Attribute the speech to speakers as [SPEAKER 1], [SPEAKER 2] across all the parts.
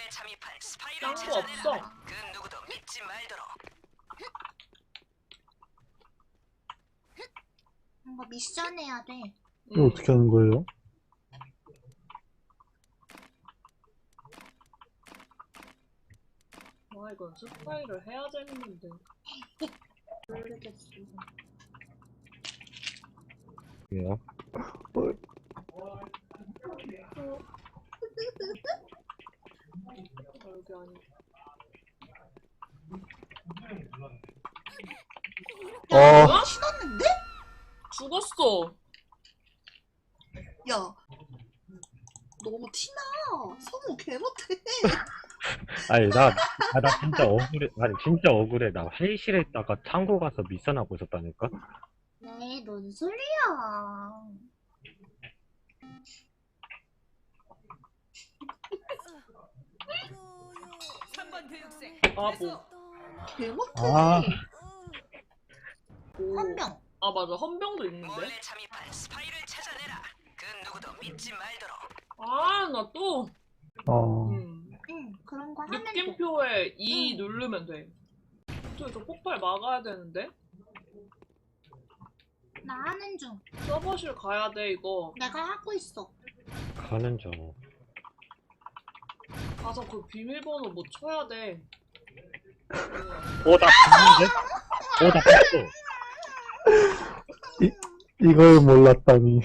[SPEAKER 1] 짱구 없어.
[SPEAKER 2] 그 누구도 믿지 말도록.
[SPEAKER 3] 뭔가 미션 해야 돼.
[SPEAKER 4] 이거 어떻게 하는 거예요?
[SPEAKER 1] 와, 이건 스파이를 해야 되는데.
[SPEAKER 3] 모르겠어.
[SPEAKER 4] 왜요?
[SPEAKER 1] 여기 아니.
[SPEAKER 4] 아,
[SPEAKER 1] 뭐야?
[SPEAKER 3] 신었는데?
[SPEAKER 1] 죽었어.
[SPEAKER 3] 야, 너무 티나. 성우 개 못해.
[SPEAKER 4] 아니, 나 진짜 억울해. 아니, 진짜 억울해. 나 회의실에 있다가 창고 가서 미션하고 있었다니까?
[SPEAKER 3] 네, 뭔 소리야.
[SPEAKER 1] 바보.
[SPEAKER 3] 개 못해.
[SPEAKER 4] 아,
[SPEAKER 1] 오.
[SPEAKER 3] 헌병.
[SPEAKER 1] 아, 맞아. 헌병도 있는데.
[SPEAKER 2] 몰래 잠입한 스파이를 찾아내라. 그 누구도 믿지 말도록.
[SPEAKER 1] 아, 나 또.
[SPEAKER 3] 응, 그런 거 하면 돼.
[SPEAKER 1] 느낌표에 E 누르면 돼. 저 폭발 막아야 되는데?
[SPEAKER 3] 나 하는 중.
[SPEAKER 1] 서버실 가야 돼, 이거.
[SPEAKER 3] 내가 하고 있어.
[SPEAKER 4] 가는 중.
[SPEAKER 1] 가서 그 비밀번호 뭐 쳐야 돼.
[SPEAKER 4] 나 봤는데? 나 봤어. 이걸 몰랐다니.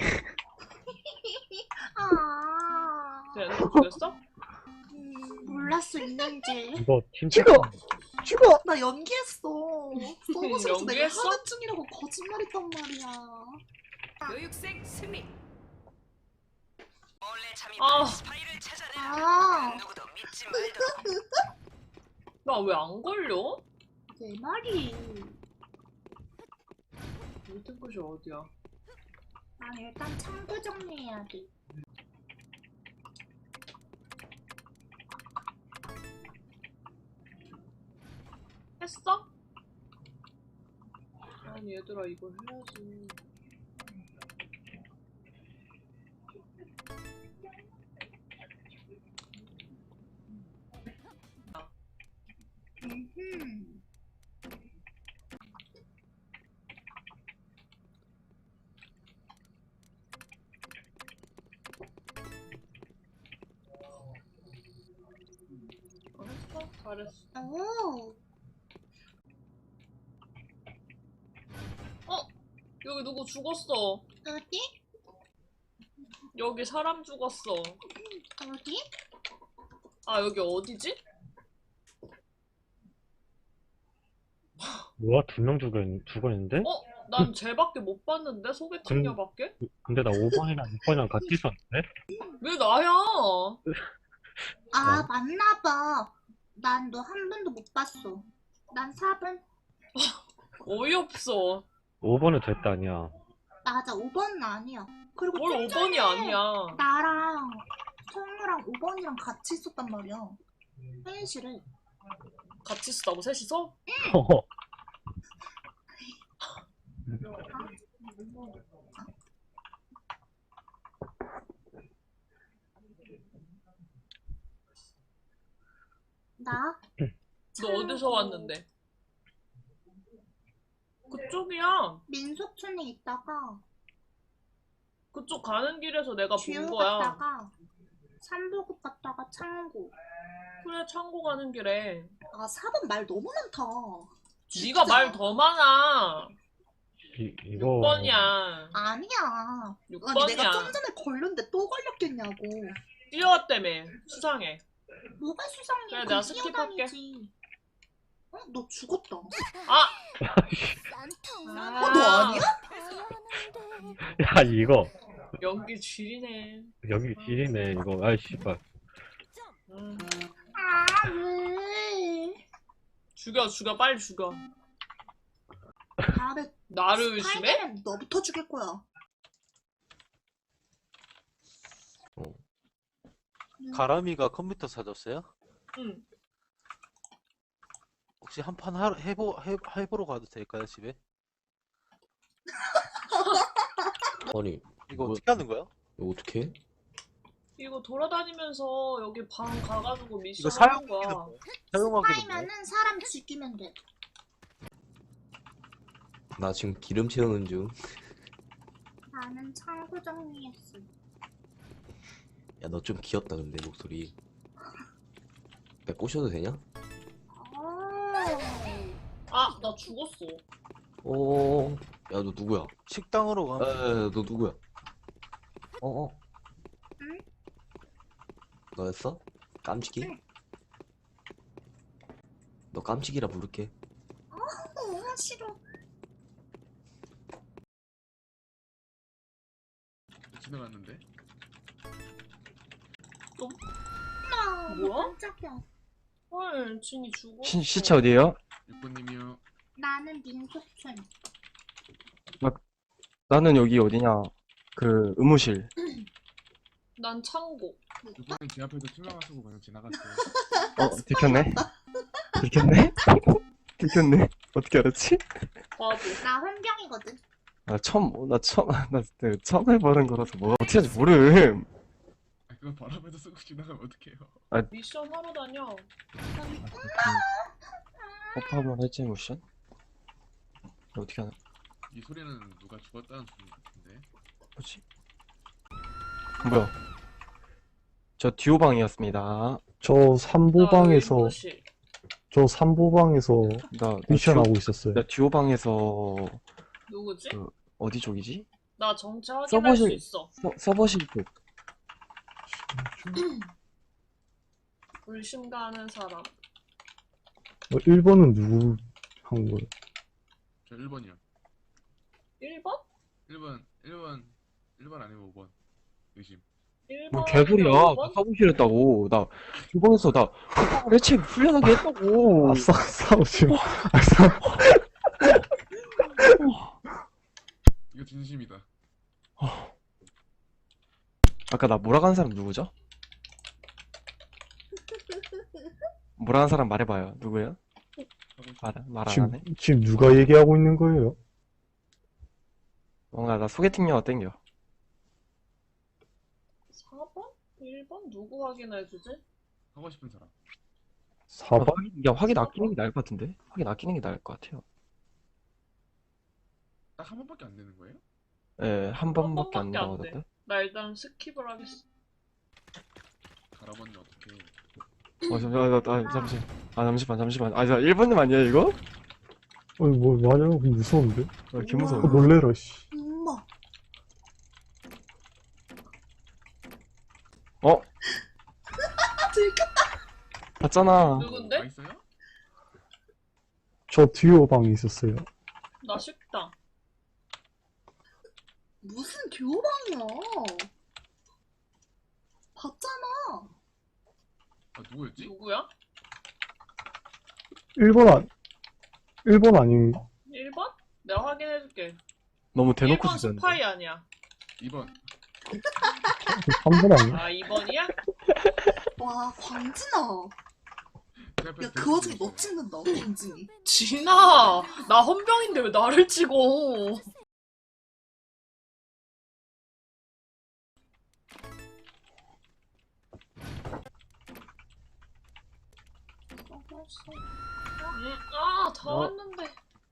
[SPEAKER 3] 아,
[SPEAKER 1] 쟤는 죽였어?
[SPEAKER 3] 몰랐어, 있는지.
[SPEAKER 4] 이거 팀
[SPEAKER 3] 죽어! 나 연기했어. 서버실에서 내가
[SPEAKER 1] 연기했어?
[SPEAKER 3] 하는 중이라고 거짓말했단 말이야.
[SPEAKER 2] 교육생 승리. 몰래 잠입한
[SPEAKER 1] 아.
[SPEAKER 2] 스파이를 찾아내라.
[SPEAKER 3] 아,
[SPEAKER 2] 그 누구도 믿지 말도록.
[SPEAKER 1] 나 왜 안 걸려?
[SPEAKER 3] 내 말이.
[SPEAKER 1] 밑에 곳이 어디야?
[SPEAKER 3] 난 일단 창고 정리해야 돼.
[SPEAKER 1] 했어? 아니 얘들아 이걸 해야지.
[SPEAKER 3] 음흠.
[SPEAKER 1] 했어? 잘했어.
[SPEAKER 3] 오,
[SPEAKER 1] 여기 누구 죽었어.
[SPEAKER 3] 어디?
[SPEAKER 1] 여기 사람 죽었어.
[SPEAKER 3] 어디?
[SPEAKER 1] 아 여기 어디지?
[SPEAKER 4] 뭐야? 2명 죽었는데?
[SPEAKER 1] 난 쟤밖에 못 봤는데? 소개팅녀밖에?
[SPEAKER 4] 근데 나 5번이랑 6번이랑 같이 있었는데?
[SPEAKER 1] 왜 나야?
[SPEAKER 3] 아, 맞나봐. 난 너 한 번도 못 봤어. 난 4번.
[SPEAKER 1] 어이없어.
[SPEAKER 4] 5번은 됐다, 아니야.
[SPEAKER 3] 맞아, 5번은 아니야. 그리고
[SPEAKER 1] 뭘
[SPEAKER 3] 좀
[SPEAKER 1] 5번이
[SPEAKER 3] 전에
[SPEAKER 1] 아니야.
[SPEAKER 3] 나랑 성우랑 5번이랑 같이 있었단 말이야. 회의실에.
[SPEAKER 1] 같이 쓰다고 셋이서?
[SPEAKER 3] 나?
[SPEAKER 1] 너 어디서 왔는데? 그쪽이야.
[SPEAKER 3] 민속촌에 있다가
[SPEAKER 1] 그쪽 가는 길에서 내가 본
[SPEAKER 3] 주유
[SPEAKER 1] 거야.
[SPEAKER 3] 갔다가 삼보급 갔다가 창고.
[SPEAKER 1] 그래 창고 가는 길에.
[SPEAKER 3] 아, 4번 말 너무 많다.
[SPEAKER 1] 네가 말 더 많아.
[SPEAKER 4] 이거.
[SPEAKER 1] 6번이야.
[SPEAKER 3] 아니야.
[SPEAKER 1] 6번이야.
[SPEAKER 3] 아니, 내가 좀 전에 걸렸는데 또 걸렸겠냐고.
[SPEAKER 1] 뛰어왔다며. 수상해.
[SPEAKER 3] 뭐가 수상해.
[SPEAKER 1] 그래,
[SPEAKER 3] 그럼
[SPEAKER 1] 내가 스킵할게.
[SPEAKER 3] 뛰어다니지. 어? 너 죽었다.
[SPEAKER 1] 아!
[SPEAKER 3] 어, 너 아니야?
[SPEAKER 4] 야, 이거.
[SPEAKER 1] 연기 쥐리네.
[SPEAKER 4] 여기 길이네, 이거. 아이, 씨발.
[SPEAKER 3] 아, 왜?
[SPEAKER 1] 죽여 빨리 죽여.
[SPEAKER 3] 다음에
[SPEAKER 1] 나를 의심해?
[SPEAKER 3] 스파이더맨 너부터 죽일 거야.
[SPEAKER 5] 가람이가 컴퓨터 사줬어요?
[SPEAKER 1] 응.
[SPEAKER 5] 혹시 한 판 해보러 가도 될까요, 집에?
[SPEAKER 6] 아니,
[SPEAKER 5] 이거
[SPEAKER 6] 뭐,
[SPEAKER 5] 어떻게 하는 거야?
[SPEAKER 6] 이거 어떻게 해?
[SPEAKER 1] 이거 돌아다니면서 여기 방 가가지고 미션
[SPEAKER 5] 이거
[SPEAKER 1] 하는
[SPEAKER 5] 사용하기도
[SPEAKER 1] 거야.
[SPEAKER 5] 뭐? 사용하기도 뭐?
[SPEAKER 3] 파이면은 사람 죽이면 돼.
[SPEAKER 6] 나 지금 기름 채우는 중.
[SPEAKER 3] 나는 창고 정리했어.
[SPEAKER 6] 야, 너 좀 귀엽다, 근데, 목소리. 내가 꼬셔도 되냐?
[SPEAKER 1] 아, 나 죽었어.
[SPEAKER 6] 어, 야, 너 누구야?
[SPEAKER 5] 식당으로 가면
[SPEAKER 6] 야, 너 누구야? 어?
[SPEAKER 3] 응?
[SPEAKER 6] 너였어? 깜찍이?
[SPEAKER 3] 응.
[SPEAKER 6] 너 깜찍이라 부를게.
[SPEAKER 3] 싫어.
[SPEAKER 7] 지나갔는데?
[SPEAKER 3] 나
[SPEAKER 1] 뭐야?
[SPEAKER 3] 깜짝이야.
[SPEAKER 1] 헐, 진이 죽었어.
[SPEAKER 8] 시체 어디에요?
[SPEAKER 7] 6번님이요.
[SPEAKER 3] 나는 민속촌.
[SPEAKER 8] 나는 여기 어디냐? 그 의무실.
[SPEAKER 1] 난 창고.
[SPEAKER 7] 6번님 제 앞에서 투명하시고 그냥 지나갔어요.
[SPEAKER 8] 들켰네? 들켰네? 들켰네? 어떻게 알았지?
[SPEAKER 1] 나도.
[SPEAKER 3] 나 혼병이거든.
[SPEAKER 8] 나 처음 해보는 거라서 뭐가 어떻게 하는지 모름.
[SPEAKER 7] 아, 그거 바람에도 쓰고 지나가면 어떡해요?
[SPEAKER 1] 미션 하러 다녀.
[SPEAKER 8] 오빠만 할지 모션? 어떻게 하나?
[SPEAKER 7] 이 소리는 누가 죽었다는 소리 같은데?
[SPEAKER 8] 뭐지? 뭐야? 저 듀오방이었습니다.
[SPEAKER 9] 저 삼보방에서
[SPEAKER 1] 의무실.
[SPEAKER 9] 저 삼보방에서
[SPEAKER 8] 나
[SPEAKER 9] 미션하고 있었어요.
[SPEAKER 8] 나 듀오방에서
[SPEAKER 1] 누구지?
[SPEAKER 8] 어디 쪽이지?
[SPEAKER 1] 나 정체 확인할 수
[SPEAKER 8] 서버실.
[SPEAKER 1] 있어.
[SPEAKER 8] 서버실 쪽.
[SPEAKER 1] 불심 가는 사람.
[SPEAKER 9] 1번은 누구 한 거예요?
[SPEAKER 7] 저 1번이요.
[SPEAKER 1] 1번?
[SPEAKER 7] 1번 아니면 5번. 의심.
[SPEAKER 1] 1번.
[SPEAKER 8] 뭐 개소리야. 나 서버실 했다고. 나 듀오방에서 나 대체 훈련하게 했다고.
[SPEAKER 9] 싸우지 마.
[SPEAKER 7] 이거 진심이다.
[SPEAKER 8] 아까 나 몰아간 사람 누구죠? 몰아간 사람 말해봐요. 누구예요? 말 안 하네?
[SPEAKER 9] 지금 누가 얘기하고 있는 거예요?
[SPEAKER 8] 뭔가 나 소개팅 영화 땡겨.
[SPEAKER 1] 4번? 1번? 누구 확인해주지?
[SPEAKER 7] 하고 싶은 사람.
[SPEAKER 9] 4번?
[SPEAKER 8] 확인 아끼는 게 나을 것 같은데? 확인 아끼는 게 나을 것 같아요.
[SPEAKER 7] 딱 한 번밖에 안 되는 거예요?
[SPEAKER 8] 예, 한 번밖에 안
[SPEAKER 1] 번밖에 안
[SPEAKER 8] 나오던데?
[SPEAKER 1] 나 일단 스킵을 하겠어.
[SPEAKER 7] 갈아버니 어떡해.
[SPEAKER 8] 잠시만. 아, 1번님 아니야, 이거?
[SPEAKER 9] 뭐 맞아. 무서운데?
[SPEAKER 8] 아, 개무서워.
[SPEAKER 9] 놀래라 씨.
[SPEAKER 3] 엄마.
[SPEAKER 8] 봤잖아.
[SPEAKER 1] 누군데?
[SPEAKER 7] 맛있어요?
[SPEAKER 9] 저 듀오방에 있었어요.
[SPEAKER 1] 나 식당.
[SPEAKER 3] 무슨 교방이야? 봤잖아.
[SPEAKER 7] 아, 누구였지?
[SPEAKER 1] 누구야?
[SPEAKER 9] 1번 아닌가?
[SPEAKER 1] 1번? 내가 확인해줄게.
[SPEAKER 8] 너무 대놓고
[SPEAKER 1] 1번
[SPEAKER 8] 주셨는데.
[SPEAKER 1] 스파이 아니야.
[SPEAKER 7] 2번.
[SPEAKER 9] 3번 아닌가?
[SPEAKER 1] 아, 2번이야?
[SPEAKER 3] 와 광진아.
[SPEAKER 7] 제 앞에서
[SPEAKER 3] 야 그 와중에 너 찍는다 광진이.
[SPEAKER 1] 진아! 나 헌병인데 왜 나를 찍어? 다
[SPEAKER 8] 어?
[SPEAKER 1] 왔는데.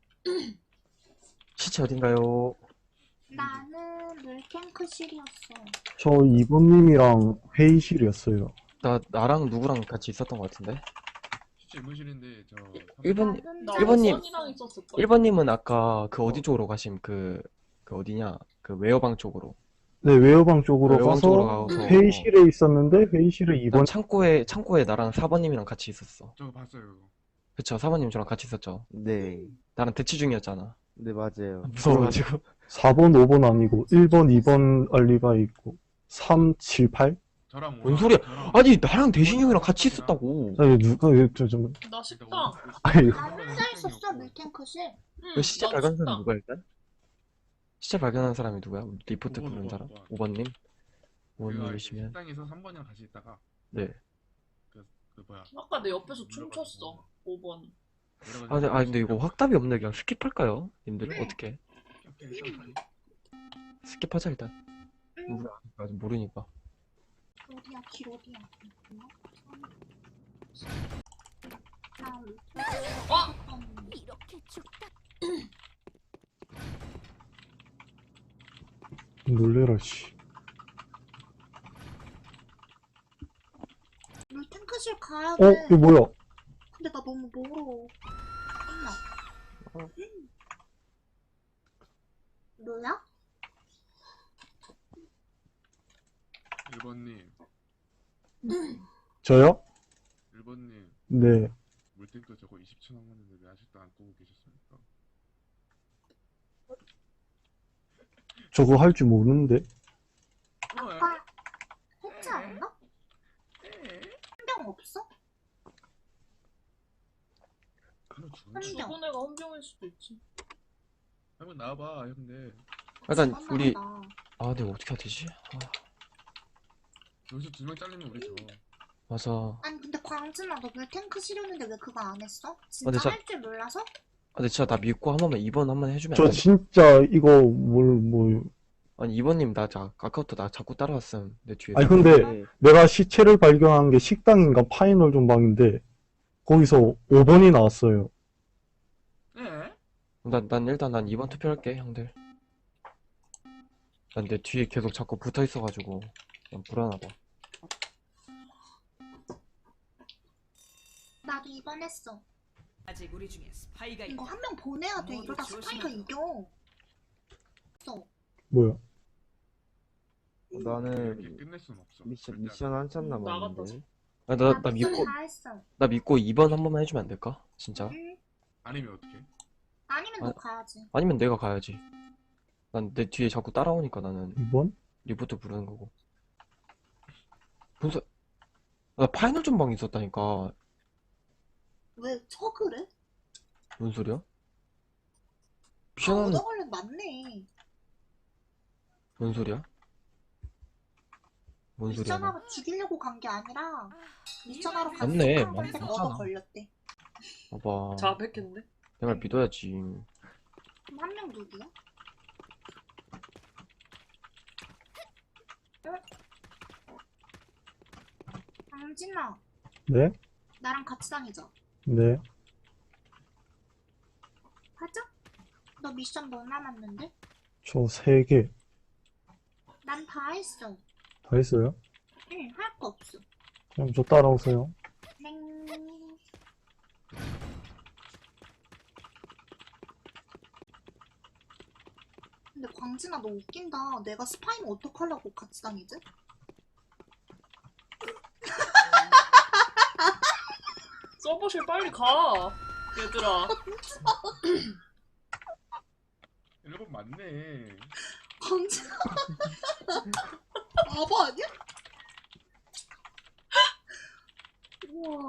[SPEAKER 8] 시체 어딘가요?
[SPEAKER 3] 나는 물탱크실이었어.
[SPEAKER 9] 저 2번님이랑 회의실이었어요.
[SPEAKER 8] 나랑 누구랑 같이 있었던 것 같은데?
[SPEAKER 7] 실제 의무실인데 저
[SPEAKER 8] 1번,
[SPEAKER 1] 나
[SPEAKER 8] 1번님.
[SPEAKER 1] 5번이랑 있었을걸?
[SPEAKER 8] 1번님은 아까 그 어디 쪽으로 가심? 그 어디냐? 그 웨어방 쪽으로.
[SPEAKER 9] 네, 웨어방 쪽으로
[SPEAKER 8] 웨어방
[SPEAKER 9] 가서
[SPEAKER 8] 쪽으로 가서
[SPEAKER 9] 회의실에 있었는데 회의실에
[SPEAKER 8] 난
[SPEAKER 9] 2번
[SPEAKER 8] 창고에 나랑 4번님이랑 같이 있었어.
[SPEAKER 7] 저거 봤어요. 그거.
[SPEAKER 8] 그쵸, 4번님 저랑 같이 있었죠.
[SPEAKER 10] 네,
[SPEAKER 8] 나랑 대치 중이었잖아.
[SPEAKER 10] 네, 맞아요.
[SPEAKER 8] 무서워가지고.
[SPEAKER 9] 4번, 5번 아니고 1번, 2번 알리바이 있고 3, 7, 8?
[SPEAKER 7] 저랑
[SPEAKER 8] 뭔
[SPEAKER 7] 오랑-
[SPEAKER 8] 소리야?
[SPEAKER 7] 저랑
[SPEAKER 8] 아니, 나랑 대신이 형이랑 같이 있었다고.
[SPEAKER 9] 아니 누가 좀
[SPEAKER 1] 나 식당.
[SPEAKER 9] 아니
[SPEAKER 3] 나 혼자 있었어 물탱크실.
[SPEAKER 1] 응,
[SPEAKER 8] 그 시체
[SPEAKER 1] 나
[SPEAKER 8] 발견한 사람
[SPEAKER 1] 식당.
[SPEAKER 8] 누구야, 일단? 시체 발견한 사람이 누구야? 리포트
[SPEAKER 7] 5번,
[SPEAKER 8] 부른 사람?
[SPEAKER 7] 5번.
[SPEAKER 8] 5번님?
[SPEAKER 7] 우리가
[SPEAKER 8] 5번님이시면.
[SPEAKER 7] 식당에서 3번이랑 같이 있다가
[SPEAKER 8] 네.
[SPEAKER 7] 그 뭐야.
[SPEAKER 1] 아까 내 옆에서 춤췄어. 5번.
[SPEAKER 8] 근데 이거 확답이 없네. 그냥 스킵할까요? 님들, 어떻게? 스킵하자, 일단. 우리 아직 모르니까.
[SPEAKER 3] 어디야? 길 어디야?
[SPEAKER 10] 이렇게 죽다.
[SPEAKER 9] 놀래라, 씨.
[SPEAKER 3] 물탱크실 가야
[SPEAKER 9] 어,
[SPEAKER 3] 돼.
[SPEAKER 9] 이거 뭐야?
[SPEAKER 3] 근데 나 너무 멀어. 뭐야?
[SPEAKER 7] 1번님,
[SPEAKER 9] 저요?
[SPEAKER 7] 1번님,
[SPEAKER 9] 네.
[SPEAKER 7] 물탱크 저거 20초 남았는데 왜 아직도 안 끄고 계셨습니까?
[SPEAKER 9] 저거 할 줄 모르는데.
[SPEAKER 3] 아까 했지 않나? 한 병 없어?
[SPEAKER 7] 한번 죽은
[SPEAKER 3] 한
[SPEAKER 7] 거.
[SPEAKER 3] 병.
[SPEAKER 1] 죽은 애가 헌병일 수도 있지.
[SPEAKER 7] 한번 나와봐, 형들.
[SPEAKER 8] 일단
[SPEAKER 3] 죽었나
[SPEAKER 8] 우리
[SPEAKER 3] 보다.
[SPEAKER 8] 아 내가 어떻게 해야 되지? 아,
[SPEAKER 7] 여기서 2명 잘리면 우리 져.
[SPEAKER 8] 맞아.
[SPEAKER 3] 아니 근데 광진아 너 물탱크 실었는데 왜 그거 안 했어?
[SPEAKER 8] 근데
[SPEAKER 3] 진짜
[SPEAKER 8] 자-
[SPEAKER 3] 할 줄 몰라서?
[SPEAKER 8] 아 근데 진짜 나 믿고 한 번만 2번 한 번 해주면
[SPEAKER 9] 저
[SPEAKER 8] 안 돼?
[SPEAKER 9] 진짜 이거 뭐.
[SPEAKER 8] 아니 2번님 나 아까부터 나 자꾸 따라왔음 내 뒤에서.
[SPEAKER 9] 아니, 근데 내가 시체를 발견한 게 식당인가 파이널 전방인데, 거기서 5번이 나왔어요.
[SPEAKER 7] 예?
[SPEAKER 8] 난 일단 난 2번 투표할게 형들. 난 내 뒤에 계속 자꾸 붙어 있어가지고 난 불안하다.
[SPEAKER 3] 나도 이번 했어.
[SPEAKER 2] 아직 우리 중에 스파이가
[SPEAKER 3] 이거
[SPEAKER 2] 있다.
[SPEAKER 3] 한 명 보내야 돼.
[SPEAKER 2] 모두
[SPEAKER 3] 이러다 스파이가
[SPEAKER 2] 조심하고.
[SPEAKER 3] 이겨. 써.
[SPEAKER 9] 뭐야?
[SPEAKER 7] 이렇게
[SPEAKER 5] 나는
[SPEAKER 7] 끝낼 순 없어.
[SPEAKER 5] 미션 한참 남았는데.
[SPEAKER 1] 나갔다.
[SPEAKER 8] 아,
[SPEAKER 3] 나
[SPEAKER 8] 나 믿고
[SPEAKER 3] 다 했어.
[SPEAKER 8] 나 믿고 2번 한 번만 해주면 안 될까? 진짜?
[SPEAKER 3] 응?
[SPEAKER 7] 아니면 어떻게?
[SPEAKER 3] 아니면
[SPEAKER 8] 아,
[SPEAKER 3] 너 가야지.
[SPEAKER 8] 아니면 내가 가야지. 난 내 뒤에 자꾸 따라오니까 나는
[SPEAKER 9] 2번?
[SPEAKER 8] 리부트 부르는 거고. 분석 나 파이널 전방 있었다니까.
[SPEAKER 3] 왜 척을 해?
[SPEAKER 8] 뭔 소리야?
[SPEAKER 3] 아,
[SPEAKER 8] 미션하는
[SPEAKER 3] 얻어걸린 맞네.
[SPEAKER 8] 뭔 소리야? 뭔 소리야? 너.
[SPEAKER 3] 미션하러 죽이려고 간 게 아니라 미션하러 간
[SPEAKER 8] 맞네,
[SPEAKER 3] 사람한테
[SPEAKER 8] 맞-
[SPEAKER 3] 얻어
[SPEAKER 8] 맞잖아.
[SPEAKER 3] 걸렸대.
[SPEAKER 8] 봐봐.
[SPEAKER 1] 자백했네.
[SPEAKER 8] 내 말 믿어야지.
[SPEAKER 3] 그럼 한 명 누구야? 강진아,
[SPEAKER 9] 네?
[SPEAKER 3] 나랑 같이 다니자.
[SPEAKER 9] 네.
[SPEAKER 3] 가자. 너 미션 뭐 남았는데?
[SPEAKER 9] 저 3개.
[SPEAKER 3] 난 다 했어.
[SPEAKER 9] 다 했어요?
[SPEAKER 3] 응, 할 거 없어.
[SPEAKER 9] 그럼 저 따라오세요.
[SPEAKER 3] 맹. 근데 광진아 너 웃긴다. 내가 스파이면 어떡하려고 같이 다니지?
[SPEAKER 1] 서버실 빨리 가. 얘들아.
[SPEAKER 7] 1번 맞네.
[SPEAKER 3] 광진아. 바보 아니야? 우와.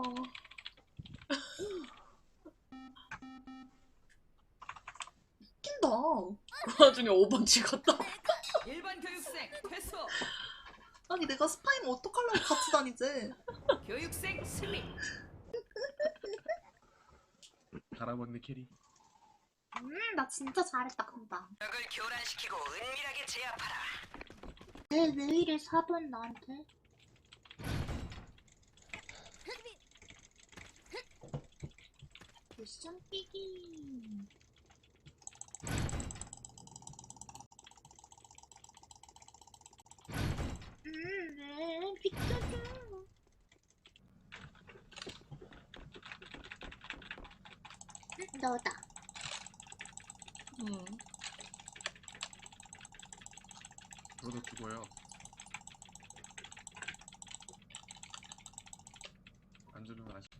[SPEAKER 3] 웃긴다.
[SPEAKER 1] 그 와중에 5번 찍었다.
[SPEAKER 2] 일반 교육생 퇴소.
[SPEAKER 3] 아니 내가 스파이면 어떡하려고 같이 다니지?
[SPEAKER 2] 교육생 승리.
[SPEAKER 7] 갈아먹는 캐리.
[SPEAKER 3] 나 진짜 잘했다 금방.
[SPEAKER 2] 적을 교란시키고 은밀하게 제압하라.
[SPEAKER 3] 왜 이래 4번 나한테? 미션 끼기. 왜 비켜줘? 너다.
[SPEAKER 7] 너도 죽어요. 안 주는 아시.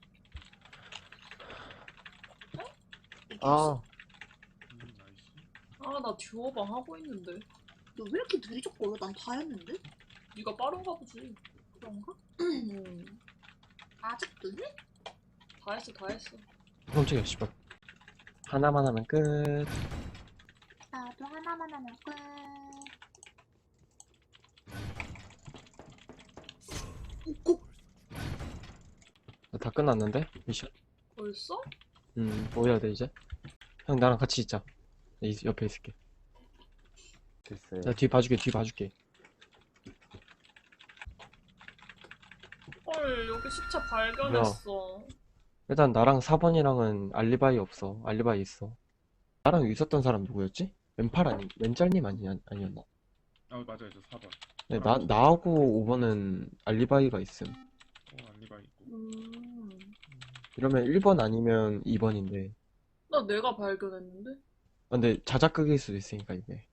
[SPEAKER 5] 아,
[SPEAKER 7] 나이스.
[SPEAKER 1] 아, 나 듀오방 하고 있는데.
[SPEAKER 3] 너 왜 이렇게 느리적거려? 난 다 했는데?
[SPEAKER 1] 네가 빠른가 보지.
[SPEAKER 3] 그런가?
[SPEAKER 1] 음.
[SPEAKER 3] 아직도 해?
[SPEAKER 1] 다 했어, 다 했어.
[SPEAKER 8] 깜짝이야 씨발. 하나만 하면 끝.
[SPEAKER 3] 나도 하나만 하면 끝. 꼭
[SPEAKER 8] 다 끝났는데? 미션?
[SPEAKER 1] 벌써?
[SPEAKER 8] 뭐 해야 돼 이제? 형 나랑 같이 있자. 내 옆에 있을게.
[SPEAKER 5] 네.
[SPEAKER 8] 네.
[SPEAKER 5] 됐어요.
[SPEAKER 8] 나 뒤 봐줄게.
[SPEAKER 5] 네.
[SPEAKER 8] 뒤 봐줄게.
[SPEAKER 1] 헐, 여기 시체 발견했어.
[SPEAKER 8] 일단 나랑 4번이랑은 알리바이 없어. 알리바이 있어. 나랑 있었던 사람 누구였지? 왼짤님 아니었나?
[SPEAKER 7] 맞아요. 저 4번.
[SPEAKER 8] 네, 나하고 5번은 알리바이가 있음.
[SPEAKER 7] 알리바이 있고.
[SPEAKER 8] 이러면 1번 아니면 2번인데.
[SPEAKER 1] 나 내가 발견했는데?
[SPEAKER 8] 근데 자작극일 수도 있으니까 이게.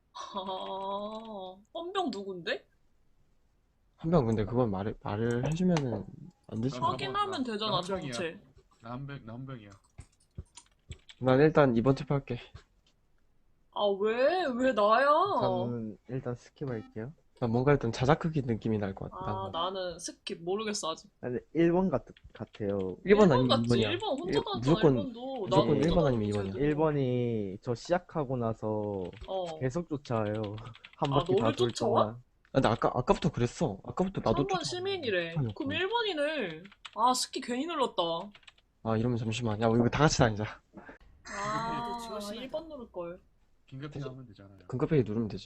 [SPEAKER 1] 헌병 누군데?
[SPEAKER 8] 한 명 근데 그건 말을 해주면은 안 되지.
[SPEAKER 7] 나
[SPEAKER 1] 확인하면 되잖아,
[SPEAKER 7] 나 헌병이야.
[SPEAKER 1] 정체.
[SPEAKER 7] 나 헌병이야.
[SPEAKER 8] 난 일단 2번 투표할게.
[SPEAKER 1] 아, 왜? 왜 나야?
[SPEAKER 5] 저는 일단 스킵할게요.
[SPEAKER 8] 난 뭔가 일단 자작극이 느낌이 날 것 같아.
[SPEAKER 1] 아, 나는 스킵 모르겠어, 아직.
[SPEAKER 5] 근데 1번 같아요.
[SPEAKER 8] 1번 아니면
[SPEAKER 1] 같지?
[SPEAKER 8] 2번이야.
[SPEAKER 1] 1번 혼자 다녔잖아,
[SPEAKER 8] 무조건-
[SPEAKER 1] 1번도.
[SPEAKER 8] 무조건
[SPEAKER 1] 나도
[SPEAKER 8] 1번 아니면
[SPEAKER 1] 혼자
[SPEAKER 8] 2번이야.
[SPEAKER 1] 다녔는데.
[SPEAKER 5] 1번이 저 시작하고 나서
[SPEAKER 1] 어.
[SPEAKER 5] 계속 쫓아와요. 한
[SPEAKER 1] 아,
[SPEAKER 5] 바퀴 다
[SPEAKER 1] 너를
[SPEAKER 5] 돌
[SPEAKER 1] 쫓아와?
[SPEAKER 5] 동안.
[SPEAKER 8] 근데 아까부터 그랬어. 아까부터 나도
[SPEAKER 1] 3번 시민이래.
[SPEAKER 8] 아니요.
[SPEAKER 1] 그럼 1번이네. 아, 스킵 괜히 눌렀다.
[SPEAKER 8] 아 이러면 잠시만. 야 우리 이거 다 같이 다니자.
[SPEAKER 1] 아,
[SPEAKER 2] 조심하자.
[SPEAKER 1] 1번 누를걸.
[SPEAKER 7] 긴급히 하면 되잖아요.
[SPEAKER 8] 금카페이 누르면 되지.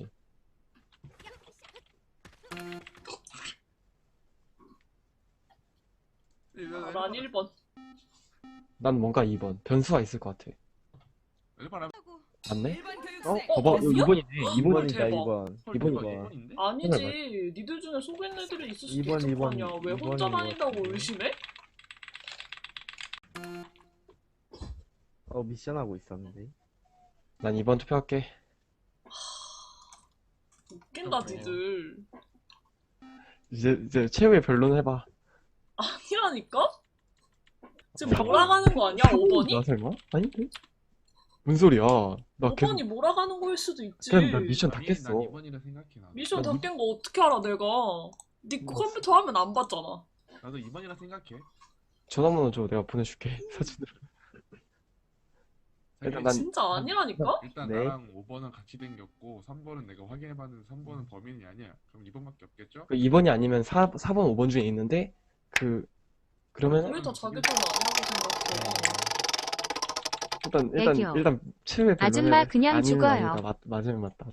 [SPEAKER 1] 아, 난 1번.
[SPEAKER 8] 난 뭔가 2번. 변수가 있을 것 같아.
[SPEAKER 7] 1번 하면
[SPEAKER 8] 맞네?
[SPEAKER 2] 일반 교육생.
[SPEAKER 8] 봐봐 이거 2번이네.
[SPEAKER 5] 2번이다,
[SPEAKER 1] 대박.
[SPEAKER 5] 2번.
[SPEAKER 8] 2번이네.
[SPEAKER 7] 2번인데?
[SPEAKER 1] 아니지. 니들 중에 속인 애들이 있을 수도
[SPEAKER 5] 2번,
[SPEAKER 1] 있을 거
[SPEAKER 5] 2번,
[SPEAKER 1] 아니야. 왜 혼자
[SPEAKER 5] 2번인 것
[SPEAKER 1] 다닌다고
[SPEAKER 5] 같은데.
[SPEAKER 1] 의심해?
[SPEAKER 5] 미션 하고 있었는데.
[SPEAKER 8] 난 2번 투표할게.
[SPEAKER 1] 웃긴다, 니들.
[SPEAKER 8] 이제 최후의 변론 해봐.
[SPEAKER 1] 아니라니까? 지금 몰아가는 거 아니야, 5번이?
[SPEAKER 8] 나 설마? 아닌데? 뭔 소리야? 나 계속
[SPEAKER 1] 5번이 몰아가는 거일 수도 있지.
[SPEAKER 8] 그럼 나 미션 다
[SPEAKER 7] 아니,
[SPEAKER 8] 깼어.
[SPEAKER 7] 난 2번이라 생각해 나.
[SPEAKER 1] 미션 다 깬 거 어떻게 알아, 내가? 니 컴퓨터 화면 안 봤잖아.
[SPEAKER 7] 나도 2번이라 생각해.
[SPEAKER 8] 전화번호 줘. 내가 보내줄게. 사진으로. 일단 난
[SPEAKER 1] 진짜 아니라니까?
[SPEAKER 7] 일단
[SPEAKER 5] 네.
[SPEAKER 7] 나랑 5번은 같이 댕겼고 3번은 내가 확인해봤는데 3번은 범인이 아니야. 그럼 2번밖에 없겠죠?
[SPEAKER 8] 2번이 아니면 4번, 5번 중에 있는데 그러면
[SPEAKER 1] 왜 다 자기 돈 아니라고 생각해?
[SPEAKER 8] 일단 최후의 변론을
[SPEAKER 10] 아줌마 그냥
[SPEAKER 8] 아니면
[SPEAKER 10] 죽어요.
[SPEAKER 8] 아니다. 맞으면 맞다.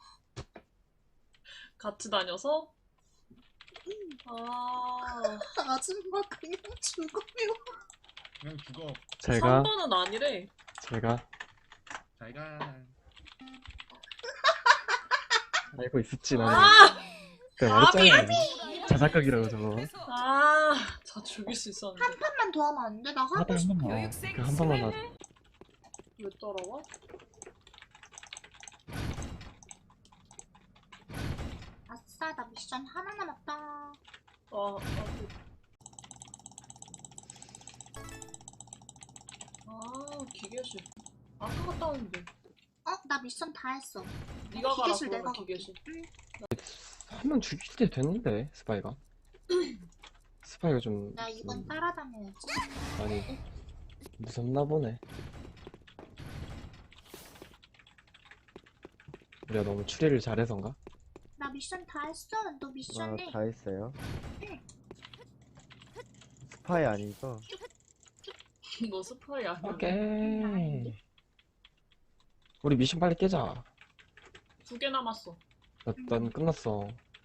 [SPEAKER 1] 같이 다녀서? 아,
[SPEAKER 3] 아줌마 그냥 죽어요.
[SPEAKER 7] 그냥 죽어.
[SPEAKER 8] 제가
[SPEAKER 1] 3번은 아니래.
[SPEAKER 7] 잘가.
[SPEAKER 8] 알고 있었지 나는.
[SPEAKER 1] 아!
[SPEAKER 8] 내가 말했잖아. 자작극이라고 저거.
[SPEAKER 1] 아, 저 죽일 수 있었는데.
[SPEAKER 3] 한 판만 더 하면 안 돼? 나 하고
[SPEAKER 8] 한
[SPEAKER 3] 싶어.
[SPEAKER 8] 번만.
[SPEAKER 2] 교육생
[SPEAKER 8] 한 번만 나.
[SPEAKER 1] 왜 따라와?
[SPEAKER 3] 아싸, 나 미션 하나 남았다.
[SPEAKER 1] 기계실. 아까 갔다 왔는데.
[SPEAKER 3] 나 미션 다 했어.
[SPEAKER 1] 네가 가라,
[SPEAKER 3] 기계실
[SPEAKER 1] 그러면
[SPEAKER 3] 내가 갈게.
[SPEAKER 1] 기계실.
[SPEAKER 3] 응.
[SPEAKER 8] 한 명 죽일 때 됐는데 스파이가. 스파이가 좀
[SPEAKER 3] 나 이번 따라다녀야지.
[SPEAKER 8] 많이 무섭나 보네. 우리가 너무 추리를 잘해서인가?
[SPEAKER 3] 나 미션 다 했어. 너 미션 해.
[SPEAKER 5] 다 했어요.
[SPEAKER 3] 응.
[SPEAKER 5] 스파이 아니죠?
[SPEAKER 1] 너 스파이 아니야?
[SPEAKER 8] 오케이. 우리 미션 빨리 깨자.
[SPEAKER 1] 2개 남았어.
[SPEAKER 8] 난 끝났어.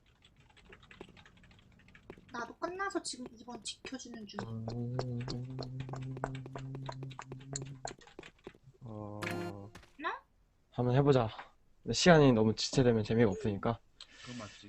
[SPEAKER 3] 나도 끝나서 지금 이번 지켜주는 중.
[SPEAKER 8] 한번 해보자. 근데 시간이 너무 지체되면 재미가 없으니까.
[SPEAKER 7] 그건 맞지.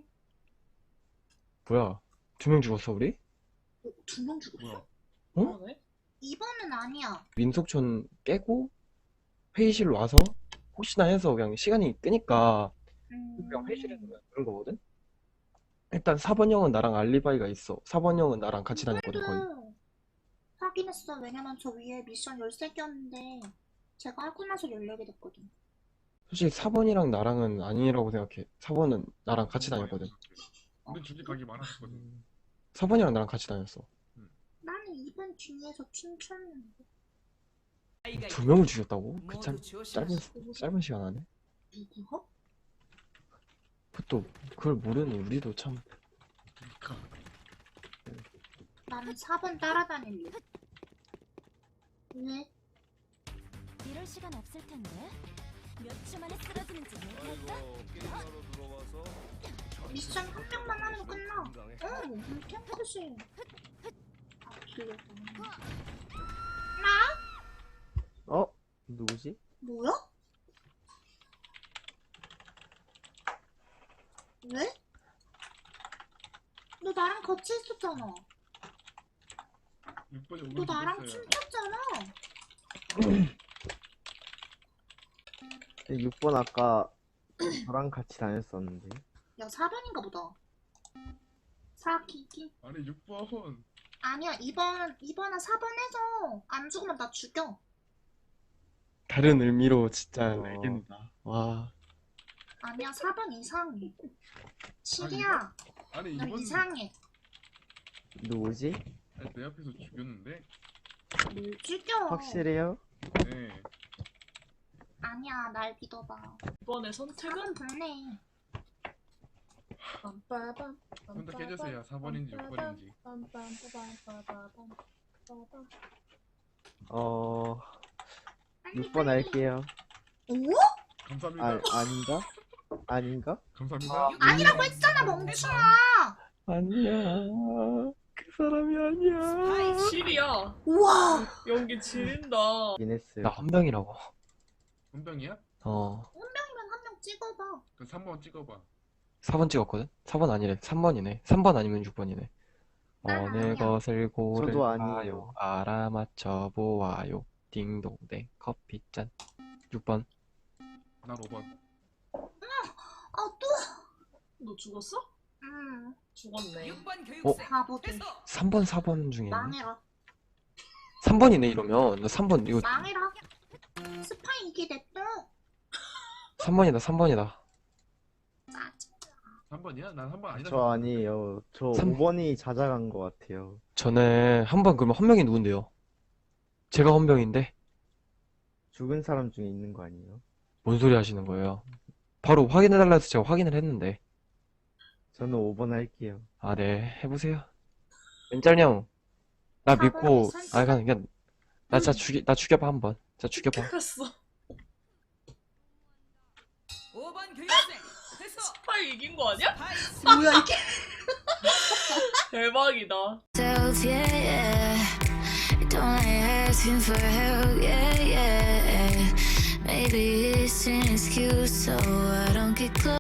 [SPEAKER 8] 뭐야? 2명 죽었어 우리?
[SPEAKER 3] 2명 죽었어?
[SPEAKER 7] 뭐야?
[SPEAKER 8] 어?
[SPEAKER 1] 그러네?
[SPEAKER 3] 2번은 아니야.
[SPEAKER 8] 민속촌 깨고 회의실로 와서 혹시나 해서 그냥 시간이 끄니까 그냥 회의실에서 그냥 그런 거거든? 일단 4번 형은 나랑 알리바이가 있어. 4번 형은 나랑 같이 다녔거든 거의.
[SPEAKER 3] 이번도 확인했어. 왜냐면 저 위에 미션 13개였는데 제가 하고 나서 14개 됐거든.
[SPEAKER 8] 솔직히 4번이랑 나랑은 아니라고 생각해. 4번은 나랑 같이 다녔거든.
[SPEAKER 7] 우리 둘이 가기 많았거든.
[SPEAKER 8] 4번이랑 나랑 같이 다녔어.
[SPEAKER 3] 나는 2번 뒤에서 춤췄는데.
[SPEAKER 8] 2명을 죽였다고? 그
[SPEAKER 2] 모두
[SPEAKER 8] 짧은 시간 안에?
[SPEAKER 3] 누구야?
[SPEAKER 8] 그것도 그걸 모르니 우리도 참.
[SPEAKER 3] 나는 4번 따라다닐래. 왜?
[SPEAKER 10] 이럴 시간 없을 텐데. 몇 초 만에 쓰러지는지 모르겠다.
[SPEAKER 3] 미션 한 명만 하면 끝나. 탱크지. 아, 길렸다.
[SPEAKER 5] 어? 누구지?
[SPEAKER 3] 뭐야? 왜? 너 나랑 같이 있었잖아.
[SPEAKER 7] 6번이
[SPEAKER 3] 너 나랑
[SPEAKER 7] 오늘
[SPEAKER 3] 춤췄잖아.
[SPEAKER 5] 6번 아까 저랑 같이 다녔었는데.
[SPEAKER 3] 야, 4번인가 보다. 사기기.
[SPEAKER 7] 아니 6번.
[SPEAKER 3] 아니야, 2번은 4번에서 안 죽으면 나 죽여.
[SPEAKER 8] 다른 의미로 진짜
[SPEAKER 5] 어.
[SPEAKER 8] 알겠다. 와.
[SPEAKER 3] 아니야, 4번 이상해. 7이야.
[SPEAKER 7] 아니
[SPEAKER 3] 너
[SPEAKER 7] 2번
[SPEAKER 3] 이상해.
[SPEAKER 5] 누구지?
[SPEAKER 7] 내 앞에서 죽였는데.
[SPEAKER 3] 뭘 죽여?
[SPEAKER 5] 확실해요?
[SPEAKER 7] 네.
[SPEAKER 3] 아니야, 날 믿어봐.
[SPEAKER 1] 이번에 선택은
[SPEAKER 3] 4번 보내.
[SPEAKER 7] 혼자 깨주세요. 4번인지 6번인지.
[SPEAKER 5] 6번 할게요.
[SPEAKER 3] 오?
[SPEAKER 7] 감사합니다.
[SPEAKER 5] 아닌가? 아닌가?
[SPEAKER 7] 감사합니다.
[SPEAKER 3] 아니라고 했잖아, 멍충아.
[SPEAKER 8] 아니야. 그 사람이 아니야.
[SPEAKER 1] 7이야.
[SPEAKER 3] 우와.
[SPEAKER 1] 연기 지린다.
[SPEAKER 5] 긴 했어요.
[SPEAKER 8] 나 헌병이라고.
[SPEAKER 7] 혼병이야?
[SPEAKER 8] 어.
[SPEAKER 3] 운명이면 한 명 찍어봐.
[SPEAKER 7] 그 3번 찍어봐.
[SPEAKER 8] 4번 찍었거든? 4번 아니래. 3번이네. 3번 아니면 6번이네.
[SPEAKER 3] 난
[SPEAKER 8] 어느
[SPEAKER 3] 아니야.
[SPEAKER 8] 것을
[SPEAKER 5] 저도 아니에요.
[SPEAKER 8] 고를까요? 알아맞혀 보아요. 딩동댕 커피잔. 6번.
[SPEAKER 7] 난 5번.
[SPEAKER 3] 아, 또?
[SPEAKER 1] 너 죽었어? 죽었네.
[SPEAKER 2] 6번 교육생
[SPEAKER 3] 바보들.
[SPEAKER 2] 해서
[SPEAKER 8] 3번, 4번 중에 있네.
[SPEAKER 3] 망해라.
[SPEAKER 8] 3번이네 이러면. 나 3번 이거
[SPEAKER 3] 망해라. 스파이 이게 냅둬.
[SPEAKER 8] 3번이다. 3번이다.
[SPEAKER 3] 짜증.
[SPEAKER 7] 3번이야? 난 3번 아니다.
[SPEAKER 5] 저 아니에요. 저
[SPEAKER 8] 삼-
[SPEAKER 5] 5번이 찾아간 것 같아요.
[SPEAKER 8] 저는 한 번 그러면 헌병이 누군데요? 제가 헌병인데
[SPEAKER 5] 죽은 사람 중에 있는 거 아니에요?
[SPEAKER 8] 뭔 소리 하시는 거예요? 바로 확인해달라 해서 제가 확인을 했는데.
[SPEAKER 5] 저는 5번 할게요.
[SPEAKER 8] 아, 네. 해보세요. 멘짤형. 나 믿고, 아, 그냥, 나 진짜 나 죽여봐, 한번. 진짜 죽여봐.
[SPEAKER 1] 했어.
[SPEAKER 2] 5번 교육생 해서
[SPEAKER 1] 스파이 이긴 거 아니야?
[SPEAKER 2] 파이스
[SPEAKER 3] 뭐야, 이게?
[SPEAKER 1] 대박이다.
[SPEAKER 10] Self, yeah, yeah. Don't like asking for help, yeah, yeah. Maybe it's an excuse, so I don't get close.